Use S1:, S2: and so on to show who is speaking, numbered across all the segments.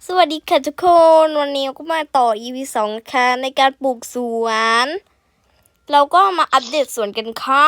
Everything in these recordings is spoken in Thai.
S1: สวัสดีค่ะทุกคนวันนี้ก็มาต่อ EP 2นะคะในการปลูกสวนเราก็มาอัปเดตสวนกันค่ะ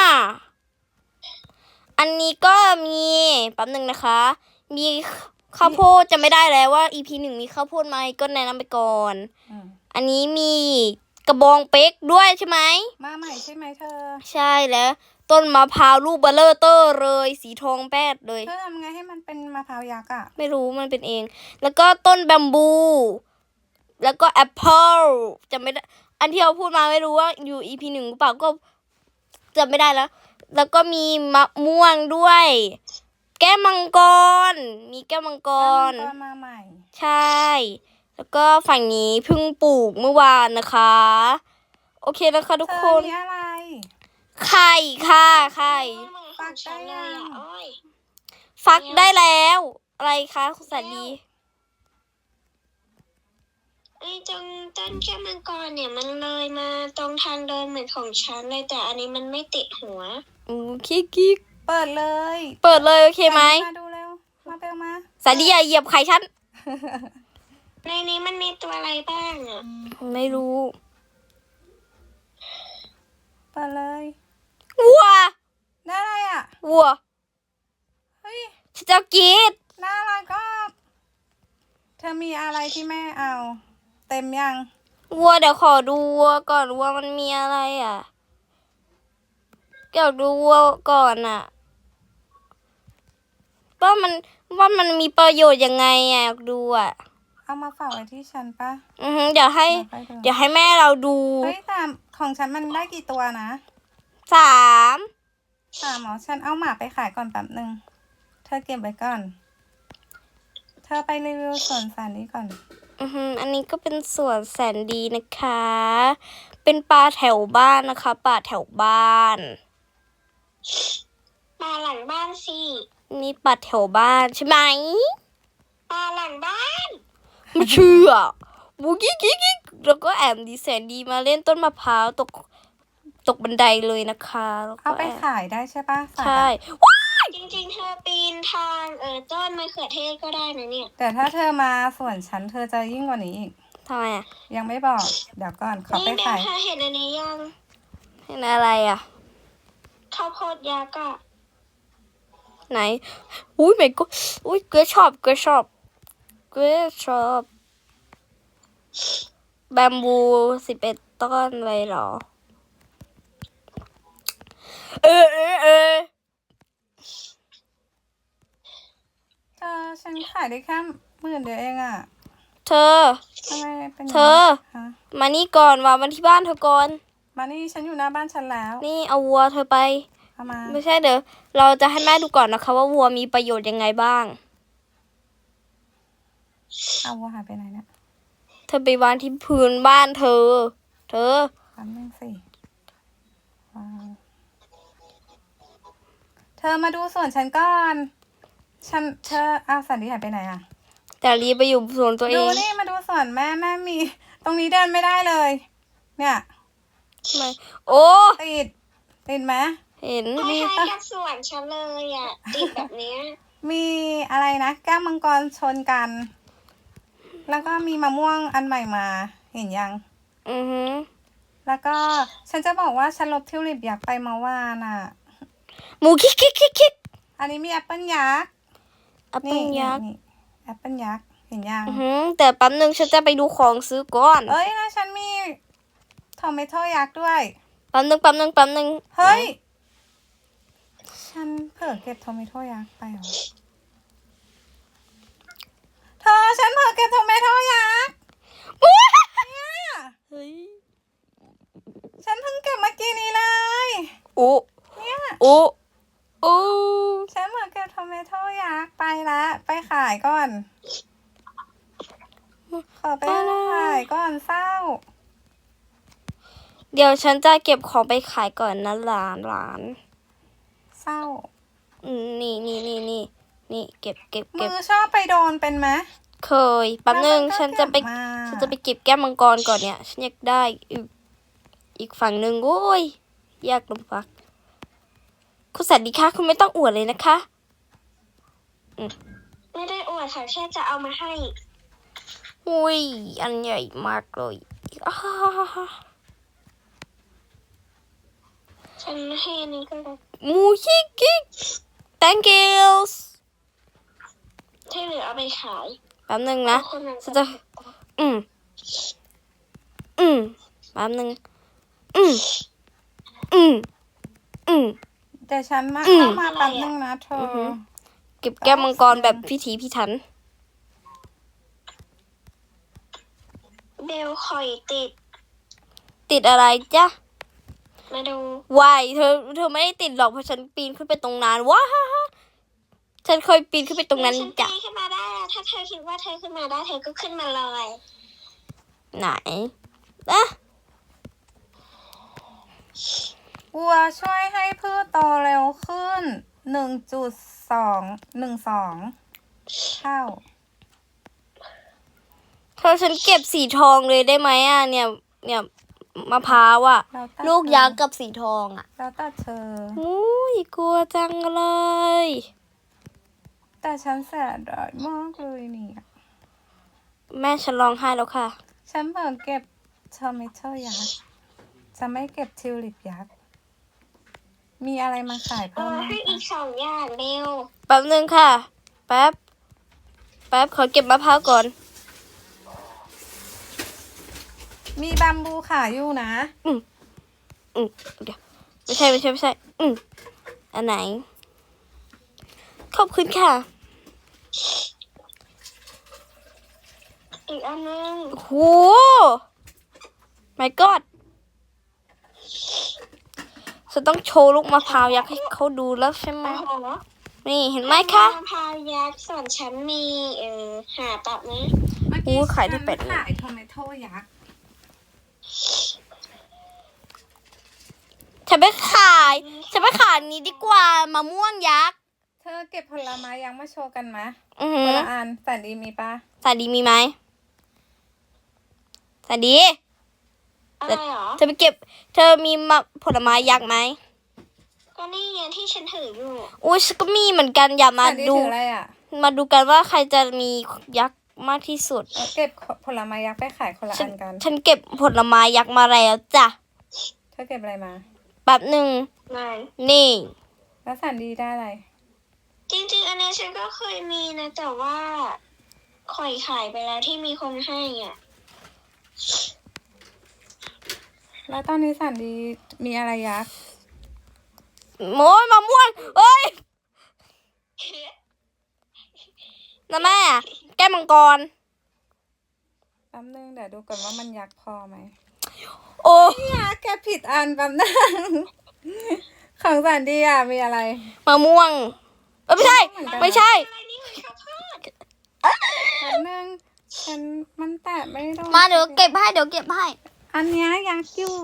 S1: อันนี้ก็มีแป๊บนึงนะคะมีข้าวโพดจะไม่ได้แล้วว่า EP 1มีข้าวโพดไหมก็แนะนำไปก่อนอันนี้มีกระบองเป๊กด้วยใช่ไหม
S2: มาใหม่ใช่ไหมเธอ
S1: ใช่แล้วต้นมะพร้าวลูกเบลเลอร์เตอร์เลยสีทองแปดเลย
S2: เธอทำไงให้มันเป็นมะพร้าวยักษ์อ่ะ
S1: ไม่รู้มันเป็นเองแล้วก็ต้นแบมบูแล้วก็แอปเปิลจะไม่ได้อันที่เราพูดมาไม่รู้ว่าอยู่ EP 1หรือเปล่าก็จำไม่ได้แล้วก็มีมะม่วงด้วยแก้วมังกรมีแก้วมังกร
S2: มาใหม่
S1: ใช่แล้วก็ฝั่งนี้เพิ่งปลูกเมื่อวานนะคะโอเคนะคะทุกคน
S2: มีอะไร
S1: ไข่ค่ะไข่
S2: ฟักได้ยัง
S1: ฟักได้แล้วอะไรคะคุณสันดี
S3: ตรงต้นแก้วมังกรเนี่ยมันเลยมาตรงทางเดินเหมือนของฉันเลยแต่อันนี้มันไม่ติดหัว
S1: กิ๊ก
S2: เปิดเลย
S1: โอเคไหม
S2: มาดูเร็วมาเร็วมา
S1: สันดีอย่าเหยียบไข่ฉัน
S3: ในนี้มันมีตัวอะไรบ้างอ่ะ
S1: ไม่รู้
S2: เปิดเลย
S1: วัว
S2: ได้อะไรอ่ะ
S1: วัว
S2: เฮ้ย
S1: ฉันจะกิน
S2: น่ารักก็เธอมีอะไรที่แม่เอาเต็มยัง
S1: วัวเดี๋ยวขอดูวัวก่อนวัวมันมีอะไรอ่ะอยากดูวัวก่อนอ่ะว่ามันมีประโยชน์ยังไงอ่ะอยากดูอ่ะ
S2: เอามาฝากไว้ที่ฉันปะ
S1: เดี๋ยวให้แม่เราดู
S2: เฮ้ยแต่ของฉันมันได้กี่ตัวนะ
S1: 3
S2: หมอฉันเอาหมาไปขายก่อนแป๊บนึงเธอเก็บไว้ก่อนเธอไปรีวิวสวนสัตว์นี้ก่อน
S1: อันนี้ก็เป็นสวนแสนดีนะคะเป็นป่าแถวบ้านนะคะป่าแถวบ้าน
S3: ป่าหลังบ้านสิ
S1: นี่ป่าแถวบ้านใช่ไหม
S3: ป่าหลังบ้าน
S1: ไม่เชื่อบุกิ๊กแล้วก็แอมดีแสนดีมาเล่นต้นมะพร้าวตกบันไดเลยนะคะ
S2: เอาไปขายได้ใช่ปะ
S1: ใช่
S3: จริงๆเธอปีนทางต้นมะเขือเทศก็ได้นะเนี่ย
S2: แต่ถ้าเธอมาสวนฉันเธอจะยิ่งกว่านี้อีก
S1: ทำไมอ่ะ
S2: ยังไม่บอกเดี๋ยวก่อนขอไปขาย
S3: นี่เธอเห็นอันนี้ยัง
S1: เห็นอะไรอ่ะ
S3: ข้าวโพดยักษ์อ่ะ
S1: ไหนอุ้ยไม่ก็อุ้ยเกรชอบแบมบู11ต้นเลยเหรอเธ
S2: อฉันขายได้แค่10,000 เดียวเองอ่ะ
S1: เธอ
S2: ทำไมเป็น
S1: มานี่ก่อนว่ามันที่บ้านเธอก่อน
S2: มานี่ฉันอยู่หน้าบ้านฉันแล้ว
S1: นี่เอาวัวเธอไปไม่ใช่เดี๋ยวเราจะให้แม่ดูก่อนนะคะว่าวัวมีประโยชน์ยังไงบ้าง
S2: เอาวัวหายไปไหนเนี่ย
S1: เธอไปวางที่พื้นบ้านเธอ
S2: แป๊บนึงสิเธอมาดูสวนฉันก่อนเธอสันดีหายไปไหนอ่ะ
S1: แต่รีไปอยู่สวนตัวเอง
S2: ดูนี่มาดูสวนแม่มีตรงนี้เดินไม่ได้เลยเนี่ย
S1: ทำไมโอ้
S2: ติดไหม
S1: เห็น
S3: มีกับสวนฉันเลยอ่ะติดแบบนี้
S2: มีอะไรนะแก้วมังกรชนกันแล้วก็มีมะม่วงอันใหม่มาเห็นยังแล้วก็ฉันจะบอกว่าฉันลบทิวลิปอยากไปเมื่อวานอ่ะ
S1: หมูคิก
S2: อันนี้มีแอปเปิ้ลยักษ์
S1: แอปเปิ้ลยักษ์
S2: แอปเปิ้ลยักษ์เห็นยัง
S1: แต่แป๊บนึงฉันจะไปดูของซื้อก่อน
S2: เอ้ยนะฉันมีทอมเมโต้ยักษ์ด้วย
S1: แป๊บนึง
S2: เฮ้ยฉันเผลอเก็บทอมเมโต้ยักษ์ไปเหรอเธอฉันเผลอเก็บทอมเมโต้ยักษ์เนี่ย
S1: เฮ้ย
S2: ฉันเพิ่งเก็บเมื่อกี้นี้เลยเนี่ยฉันเผลอเก็บทอมเมโต้ยักษ์ไปละไปขายก่อนขอไปขายก่อนเศร้า
S1: เดี๋ยวฉันจะเก็บของไปขายก่อนนะหลาน
S2: เศร้า
S1: นี่เก็บ
S2: มือชอบไปโดนเป็นไหม
S1: เคยแป๊บนึงฉันจะไปเก็บแก้มมังกรก่อนเนี่ยฉันอยากได้อีกฝั่งหนึ่งโอ้ยยากลำบากคุณสันดีคะคุณไม่ต้องอวดเลยนะคะ
S3: ไม่ได้อวดค่ะแค่จะเอามาให้
S1: อุ้ยอันใหญ่มากเลยอ้า
S3: ฉันให้อันนี้ก็ได้
S1: มูชิกิthank you
S3: ที่เหลือเอาไปขาย
S1: แป๊บนึงนะ
S3: คนนั้น
S1: ฉันจะอืมแป๊บนึงอืม
S2: เดี๋ยวฉันมาเข้ามาแป๊บนึงนะเธอ
S1: เก็บแก้มมังกรแบบพิถีพิถัน
S3: เบลคอยติด
S1: ติดอะไรจ๊ะ
S3: มาดู
S1: วายเธอไม่ได้ติดหรอกเพราะฉันปีนขึ้นไปตรงนั้นว้าฉันเคยปีนขึ้นไปตรงนั้น
S3: ฉัน
S1: จ้ะ
S3: ปีนขึ้นมาได้แล้วถ้าเธอคิดว่าเธอขึ้นมาได้เธอก็ขึ้นมาเลย
S1: ไหนอะ
S2: วัวช่วยให้พืชโตเร็วขึ้น1.212เท่า
S1: เธอฉันเก็บสีทองเลยได้ไหมอ่ะเนี่ยมะพร้าวอ่ะ
S2: แล้วแต่
S1: ลูกยักษ์กับสีทองอ่ะ
S2: แล้วแต่เธอ
S1: อุ้ยกลัวจังเลย
S2: แต่ฉันเสียดายมากเลยเนี่ย
S1: แม่ฉันร้องไห้แล้วค่ะ
S2: ฉันเพิ่งเก็บทอมิโตยักษ์จะไม่เก็บทิวลิปยักษ์ มีอะไรมาขายเพิ่มไหม
S3: ให้อี
S2: คะ
S3: ก2 อย่างเร็ว
S1: แป๊บนึงค่ะ แป๊บขอเก็บมะพร้าวก่อน
S2: มีบัมบูขายอยู่นะ
S1: เดี๋ยวไม่ใช่อันไหน ขอบคุณค่ะ
S3: อีกอันนึง
S1: โห my god ฉันต้องโชว์ลูกมะพร้าวยักษ์ให้เขาดูแล้วใช่ไหม
S3: โอ้โห
S1: นี่เห็นไหมคะ
S3: มะพร้าวยักษ์ส่วนฉันมีหาตับนะ
S2: เมื่อ
S1: โอ้
S2: กี้
S1: ขายได้เป็ด
S2: ฉันขายทอมิโตยักษ์
S1: ฉันไปขายนี้ดีกว่ามะม่วงยักษ์
S2: เธอเก็บผลไม้ยักษ์มาโชว์กันไหม
S1: อือ
S2: ค
S1: หื
S2: น
S1: อ
S2: ละอันแสนดีมีปะ
S1: สวัสดีมีไหมสวัสดี
S3: อะไรเหรอ
S1: เธอมีผลไม้ยักษ์ไหม
S3: ก็นี่ไงที่ฉันถืออยู่
S1: อุ้ยฉันก็มีเหมือนกันอย่ามา
S2: แสนดี
S1: ดู
S2: ถืออะไรอ่ะ
S1: มาดูกันว่าใครจะมียักษ์มากที่สุด
S2: เอาเก็บผลไม้ยักษ์ไปขายคนละ
S1: ฉั
S2: อันกัน
S1: ฉันเก็บผลไม้ยักษ์มาแล้วจ้ะ
S2: เธอเก็บอะไรมา
S1: แป๊บหนึ่ง
S3: ไหน
S1: นี่
S2: แล้วแสนดีได้อะไร
S3: จริงๆ อันนี้ฉันก็เคยมีนะ แต่ว่าขอยขายไปแล้วที่มีคนให้อ่ะ
S2: แล้วตอนนี้แสนดีมีอะไรยักษ์
S1: โอ้ยมะม่วงเอ้ยนะแม่แก้มมังกร
S2: แป๊บนึงเดี๋ยวดูก่อนว่ามันยักษ์พอไหม
S1: โอ้
S2: เนี่ยแกผิดอันแป๊บนึง ของแสนดีอ่ะมีอะไร
S1: มะม่วงไม่ใช่ ไม่ใช่
S3: อะไรนี่มันข้าวโพด
S2: แป๊บนึงฉันมันแตะไม่โดน
S1: มาเดี๋ยวเก็บให้
S2: อันเนี้ยยักษ์อยู่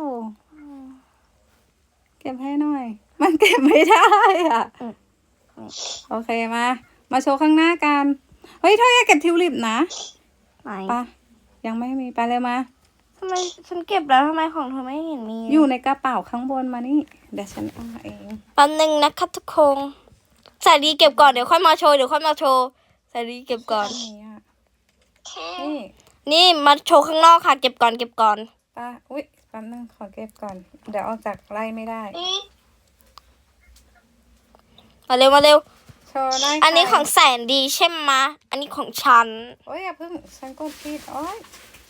S2: เก็บให้หน่อย มันเก็บไม่ได้อ่ะ โอเคมาโชว์ข้างหน้ากัน เฮ้ยเธออย่าเก็บทิวลิปนะ
S1: ไหน
S2: ปะยังไม่มีไปเลยมา
S1: ทำไมฉันเก็บแล้วทำไมของเธอไม่เห็นมี
S2: อยู่ในกระเป๋าข้างบนมานี่ เดี๋ยวฉันเอามาเอง
S1: แป๊บนึงนะคะทุกคนสาดีเก็บก่อนเดี๋ยวค่อยมาโชว์สาดีเก็บก่อน
S2: อันนี้อ่ะ
S3: แค่
S2: นี่
S1: นี่มาโชว์ข้างนอกค่ะ เก็บก่อน
S2: ป้าอุ๊ยแป๊บนึงขอเก็บก่อน เดี๋ยวออกจากไร่ไม่ได้
S3: นี่
S1: มาเร็ว
S2: โชว์ไร่
S1: อันนี้
S2: ไข่
S1: ของแสนดีใช่ไหมะอันนี้ของฉัน
S2: โอ้ยอย่าเพิ่งฉันกดผิดโอ้ย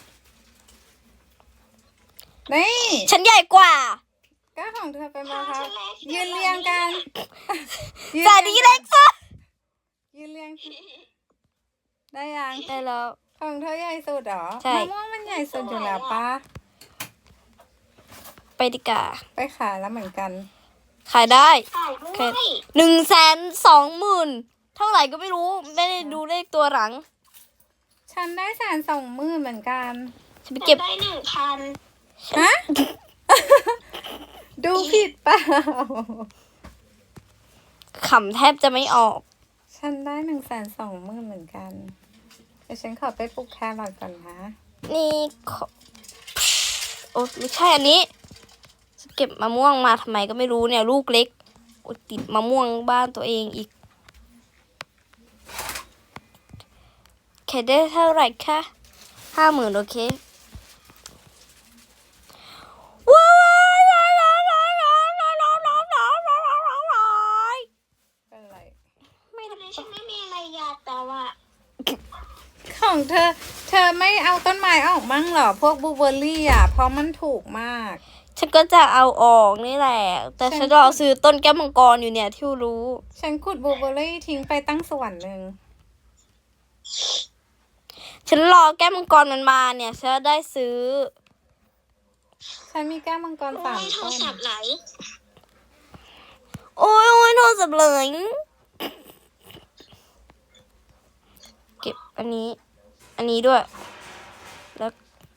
S2: นี่
S1: ฉันใหญ่กว่า
S2: ก็ของเธอเป็นมะพร้าว
S3: ฉันเล็ก
S2: ยืนเรียงกัน
S1: สาดีเล็กสุด
S2: ยืนเรียงได้ยัง
S1: ได้แล้ว
S2: ของเธอใหญ่สุดเหรอ
S1: ใช่
S2: มะม่วงมันใหญ่สุดอยู่แล้วป้า
S1: ไปดีกว่า
S2: ไปขายแล้วเหมือนกัน
S1: ขายได้
S3: ขายด้วย
S1: 120,000เท่าไหร่ก็ไม่รู้ ไม่ได้ดูเลขตัวหลัง
S2: ฉันได้120,000เหมือนกัน
S1: ฉันไป
S3: ฉั
S1: เก็บ
S3: นได้1,000
S2: ฮะ ดูผิดเปล่า
S1: ขำแทบจะไม่ออก
S2: ฉันได้120,000เหมือนกันเดี๋ยวฉันขอไปปลูกแครอทก่อนนะ
S1: นี่โอ้ไม่ใช่อันนี้จะเก็บมะม่วงมาทำไมก็ไม่รู้เนี่ย ลูกเล็กโอ้ติดมะม่วงบ้านตัวเองอีกแค่ได้เท่าไหร่คะ 50,000โอเคว้ายว้ายว้ายว้ายว้ายว้ายว้ายว้ายว้ายว้ายว้าย
S2: เป็นไร
S3: ไม่ทำไมฉันไม่มีอะไรอยากแต่ว่า
S2: ของเธอไม่เอาต้นไม้ออกมั่งเหรอ พวกบลูเบอร์รี่อ่ะ เพราะมันถูกมาก
S1: ฉันก็จะเอาออกนี่แหละ แต่ฉันรอซื้อต้นแก้วมังกรอยู่เนี่ยที่รู้
S2: ฉันขุดบลูเบอร์รี่ทิ้งไปตั้งส่วนหนึ่ง
S1: ฉันรอแก้วมังกรมันมาเนี่ยฉันจะได้ซื้อ
S2: ฉันมีแก้วมังกร
S3: โอ้
S2: สาม
S3: ยโทร
S2: ต้น
S3: ศัพท์ไหล
S1: โอ้ยโอ้ยโทรศัพท์เลยเก็บอันนี้ด้วย แล้ว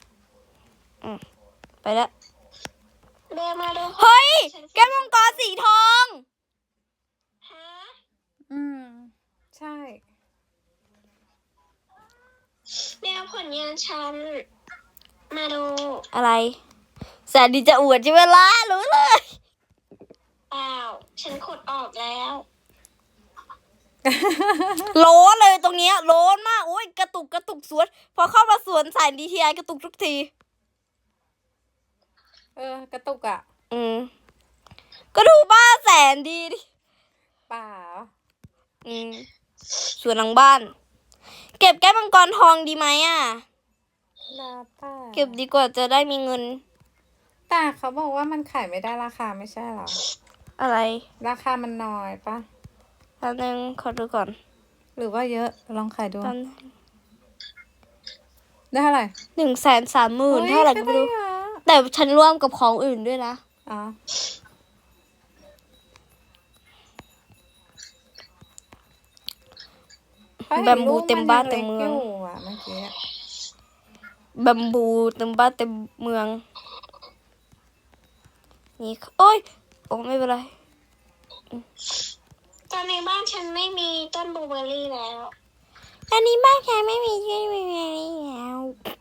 S1: ไปแล้ว
S3: เบลมาดู
S1: เฮ้ย แก้วมังกรสีทอง
S3: ฮะ
S2: ใช่
S3: เบลผลงานฉัน มาดู
S1: อะไรแสนดีจะอวดใช่ไหมล่ะรู้เลย
S3: เปล่า ฉันขุดออกแล้ว
S1: โล้นเลยตรงเนี้ยโล้นมากโอ้ยกระตุกสวน พอเข้ามาสวนสายดีทีไอกระตุกทุกที
S2: กระตุกอ่ะ
S1: ก็ดูบ้านแสนดีดิ
S2: เปล่า
S1: สวนหลังบ้าน เก็บแก้วมังกรทองดีไหมอ่ะ
S2: แล้วแต่
S1: เก็บดีกว่าจะได้มีเงิน
S2: แต่เขาบอกว่ามันขายไม่ได้ราคาไม่ใช่เหรอ
S1: อะไร
S2: ราคามันน้อยปะ
S1: แป๊บนึงขอดูก่อน
S2: หรือว่าเยอะ ลองขายดู
S1: แป๊บนึง
S2: ได้เท่าไหร่
S1: 130,000เท่าไหร่ก็ไม่รู้
S2: เยอะ
S1: แต่ฉันร่วมกับของอื่นด้วยนะ
S2: อ๋อเขาห็น
S1: แบมบูเต็มบ้านเต็มเมือง
S2: ลูกนยังล็กยู่อะเมื่อกี้
S1: บัมบูเต็มบ้านเต็มเมือง นี่โอ้ยโอ้ไม่เป็นไร
S3: ตอนในบ้านฉันไม่มีต้นบลูเบอร์รี่แล้ว
S1: อันนี้บ้านแค่ไม่มีที่ไม่มีแล้ว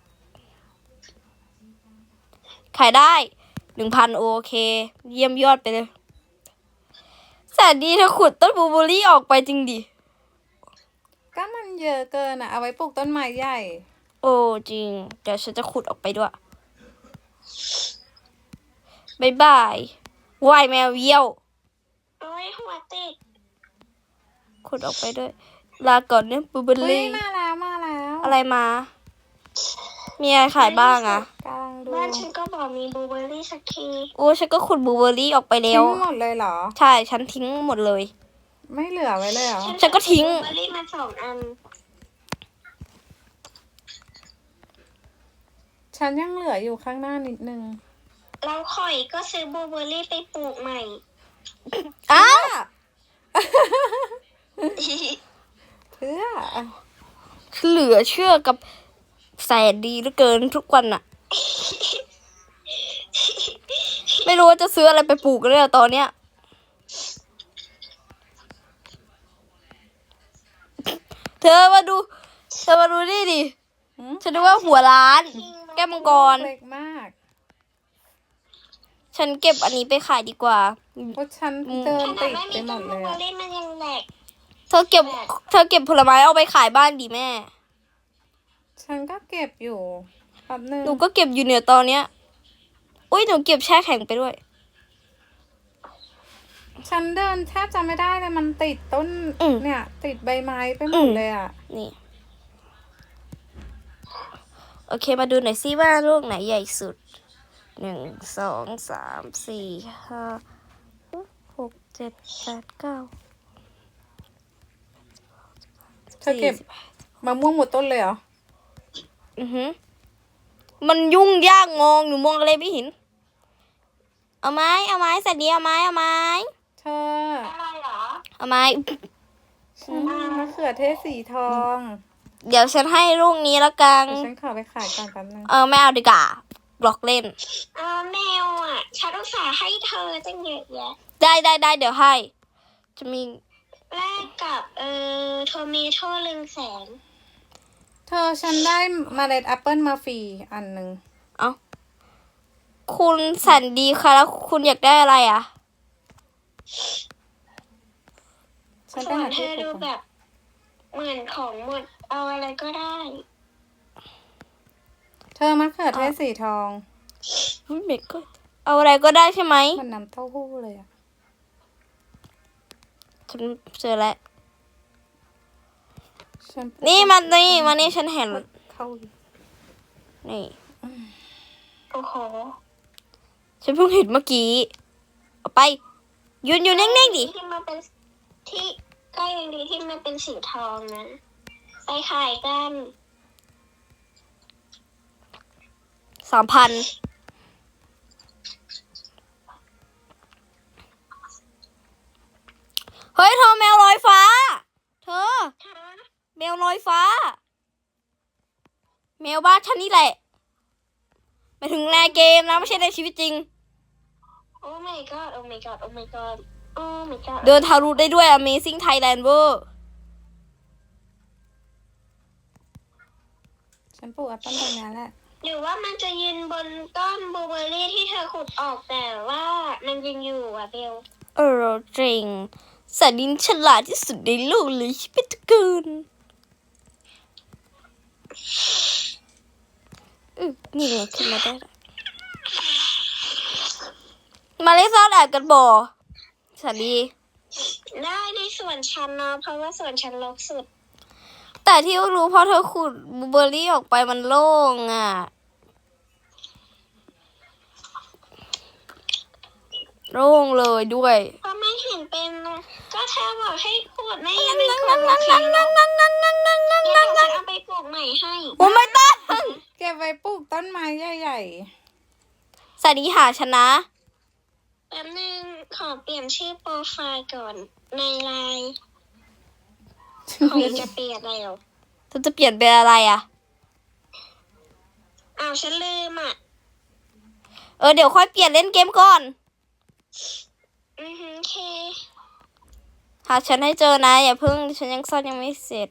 S1: ขายได้ 1,000โอเค เยี่ยมยอดไปเลยแสนดีเธอขุดต้นบลูเบอร์รี่ออกไปจริงดิ
S2: ก็มันเยอะเกินอ่ะ เอาไว้ปลูกต้นไม้ใหญ่
S1: โอ้จริง เดี๋ยวฉันจะขุดออกไปด้วยบายบายว่ายแมวเยี่ยว
S3: โอ้ยหัวติด
S1: ขุดออกไปด้วย ลาก่อนเนี่ยบลูเบอร์
S2: เฮ้ย
S1: รี่
S2: มาแล้วมาแล้ว
S1: อะไรมา มีอะไรขายบ้างอะ
S2: กำลังดู
S3: บ้านฉันก็บอกมีบลูเบอร์รี่สักที
S1: โอ้ฉันก็ขุดบลูเบอร์รี่ออกไปแล้
S2: ทิ้
S1: ว
S2: งหมดเลยเหรอ
S1: ใช่ ฉันทิ้งหมดเลย
S2: ไม่เหลือไว้เลยเหรอ
S1: ฉันก็ทิ้ง
S3: บลูเบอร์รี่มา2 อัน
S2: ฉันยังเหลืออยู่ข้างหน้านิดนึง
S3: เราข่อยก็ซื้อบลูเบอร์รี่ไปปลูกใหม่
S1: อ้าว
S2: เพื่อ
S1: เหลือเชื่อกับแสนดีเหลือเกินทุกวันอะไม่รู้ว่าจะซื้ออะไรไปปลูกเลยอะตอนเนี้ย เธอมาดูนี่ดิ ฉันนึกว่าหัวร้าน แก้วมังกร
S2: เล็กมาก
S1: ฉันเก็บอันนี้ไปขายดีกว่า
S2: เพราะฉันเดิน
S3: ขนา
S2: ติ
S3: ด
S2: ด
S3: ไม่
S2: ไป
S3: มี
S2: หม
S3: ต้น
S2: ด
S3: บ
S2: เล
S3: ลู
S2: ย
S3: เบอ
S2: อะ
S3: ร์รี่มันยังแหลก
S1: เธอเก็บผลไม้เอาไปขายบ้านดีแม่
S2: ฉันก็เก็บอยู่แป๊บนึง
S1: หนูก็เก็บอยู่เนี่ยตอนเนี้ย อุ้ยหนูเก็บแช่แข็งไปด้วย
S2: ฉันเดินแทบจะไม่ได้เลยมันติดต้น เนี่ย ติดใบไม้ไปหมดเลยอ่ะ
S1: นี่ โอเคมาดูหน่อยซิว่าลูกไหนใหญ่สุด 1 2 3 4 5 6 7 8 9
S2: เธอเก็บมะม่วงหมดต้นเลยเหรอ
S1: มันยุ่งยากงงหนูมองอะไรไม่เห็น เอาไม้สัตว์ดีเอาไม้
S2: เธอ
S3: อะไรเหรอ
S1: เอาไม้
S2: ฉันมีมะเขือเทศสีทอง
S1: เดี๋ยวฉันให้ลูกนี้แล้วกัน
S2: เดี๋ยวฉันขอไปขายก่อนแป๊บนึง
S1: ไม่เอาดีกว่าบล็อกเล่น
S3: แมวอ่ะ ฉันอุตส่าห์ให้เธอตั้งเยอะแยะ
S1: ได้เดี๋ยวให้ จะมี
S3: แลกกับโทเมโต้100,000
S2: เธอฉันได้เมล็ดแอปเปิลมาฟรีอันหนึ่ง
S1: คุณสันดีค่ะแล้วคุณอยากได้อะไรอ่ะ
S2: ฉันไป
S3: ส่วน
S2: หา
S3: เธ
S2: ที่
S3: อ
S2: ปลู
S3: ดู
S2: กก่อน
S3: แบบเหมือนของหมด เอาอะไรก็ได้
S2: เธอมะเขือเทศสีทอง
S1: เบเกอร์เอาอะไรก็ได้ใช่ไหม
S2: มันน้ำเต้าหู้เลยอะ
S1: ฉันเจอแล้ว
S2: ฉัน
S1: นี่มันนี่ฉันเห็น
S2: เข้า
S1: นี่
S3: โอ้โห
S1: ฉันเพิ่งเห็นเมื่อกี้เอาไปยืนอยู่นิ่งๆดิ
S3: ที่มันเป็นที่ก็ยังดีที่มันเป็นสีทองนะ ไปขายกัน
S1: 3,000เฮ้ยเธอแมวลอยฟ้า เธอ แมวลอยฟ้า แมวบ้านฉันนี่แหละหมายถึงในเกมนะไม่ใช่ในชีวิตจริง
S3: โอ้ my god โอ้ my god โอ้ my god โอ้ my god
S1: เดินทะลุได้ด้วย Amazing Thailand เวอร์
S2: ฉันปลูกแอปเปิ้ลตรงนั้นแหละ
S3: หรือว่ามันจะยืนบนต้นบลูเบอร์รี่ที่เธอขุดออกแต่ว่ามันยังอยู่อ่ะเบล
S1: จริงสัตว์ดินฉลาดที่สุดในโลกเลยชิบิตกูนนี่ไงขึ้นมาได้ละมาเล่นซ่อนแอบกันบ่สวัสดี
S3: ได้ในส่วนฉันเนาะเพราะว่าส่วนฉันรกสุด
S1: แต่ที่รู้เพราะเธอขุดบลูเบอร์รี่ออกไปมันโล่งอ่ะ โล่งเลยด้วย
S3: เพราะไม่เห็นเป็นนะก็เธอบอกให้ขุดไม่ยังไม่ขุดโอเคเนอะเดี๋ยวฉันเอาไปปลูกใหม่ให้
S1: โอ้ไม่ต้อง
S2: เก็บไว้ปลูกต้นไม้ใหญ่
S1: สวัสดีหาชนะ
S3: แป๊บนึงขอเปลี่ยนชื่อโปรไฟล์ก่อนในไลน์ขอจะเปลี่ยนแล้ว
S1: เธอจะเปลี่ยนเป็นอะไรอ่ะ
S3: อ้าวฉันลืมอ่ะ
S1: เดี๋ยวค่อยเปลี่ยนเล่นเกมก่อน
S3: โอเค
S1: หาฉันให้เจอนะอย่าเพิ่งฉันยังซ่อนยังไม่เสร็จ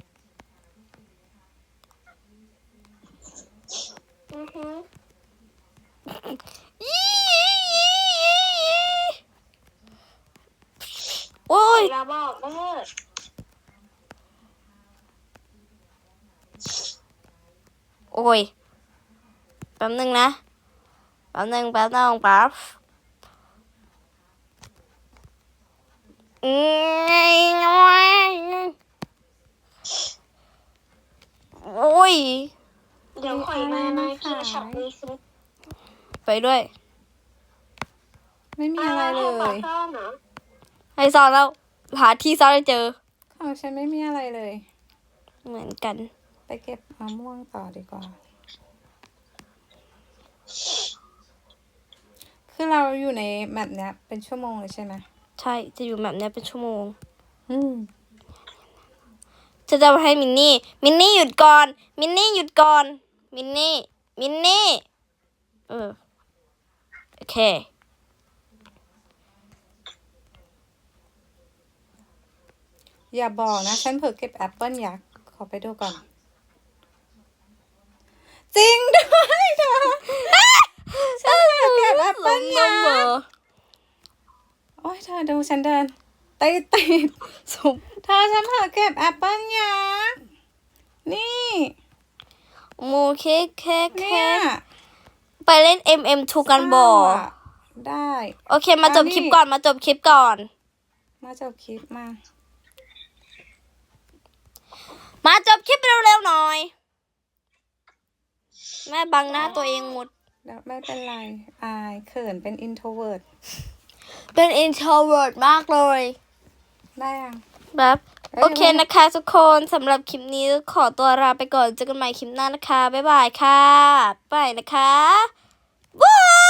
S1: โอ้ย
S3: อย่าบอกเด้อ
S1: โอ้ย แป๊บนึงนะ แป๊บนึงแป๊บโอ้ย
S3: เดี๋ยวข่อยมานะกินช็อปนี้ซิ
S1: ไปด้วย
S2: ๆ ไม่มีอะไรเล
S3: ปาย ซ่อนเหรอ
S1: ให้ซ่อนแล้ว หาที่ซ่อนให้เจอ
S2: ของฉันไม่มีอะไรเลย
S1: เหมือนกัน
S2: ไปเก็บมะม่วงต่อดีกว่า คือเราอยู่ในแมปเนี้ยเป็นชั่วโมงเลยใช่ไหม
S1: ใช่ จะอยู่แบบเนี้ยเป็นชั่วโมง
S2: อืม
S1: จะให้มินนี่หยุดก่อน มินนี่หยุดก่อน มินนี่ โอเค
S2: อย่าบอกนะ ฉันเผลอเก็บแอปเปิ้ลยักษ์ขอไปดูก่อน จริงด้วยเธอ ฉันเผลอเก็บแอปเปิ้ลยักษ์โอ้ยเธอดูฉันเดินติด
S1: สุบ
S2: เธอฉันเผลอเก็บแอปเปิ้ลยักษ์นี่
S1: โมเคเค
S2: เนี่ย
S1: ไปเล่น MM2 กันบ่
S2: ได้
S1: โอเค มาจบคลิปก่อน
S2: มาจบคลิปมา
S1: มาจบคลิปเร็วๆหน่อย แม่บังหน้าตัวเองหมด
S2: แล้วไม่เป็นไร อายเขินเป็น introvert
S1: เป็น introvert มากเลย
S2: ได้ยัง
S1: แบบ โอเคนะคะทุกคนสำหรับคลิปนี้ขอตัวลาไปก่อนเจอกันใหม่คลิปหน้านะคะ บ๊ายบายค่ะ ไปนะคะ บ๊าย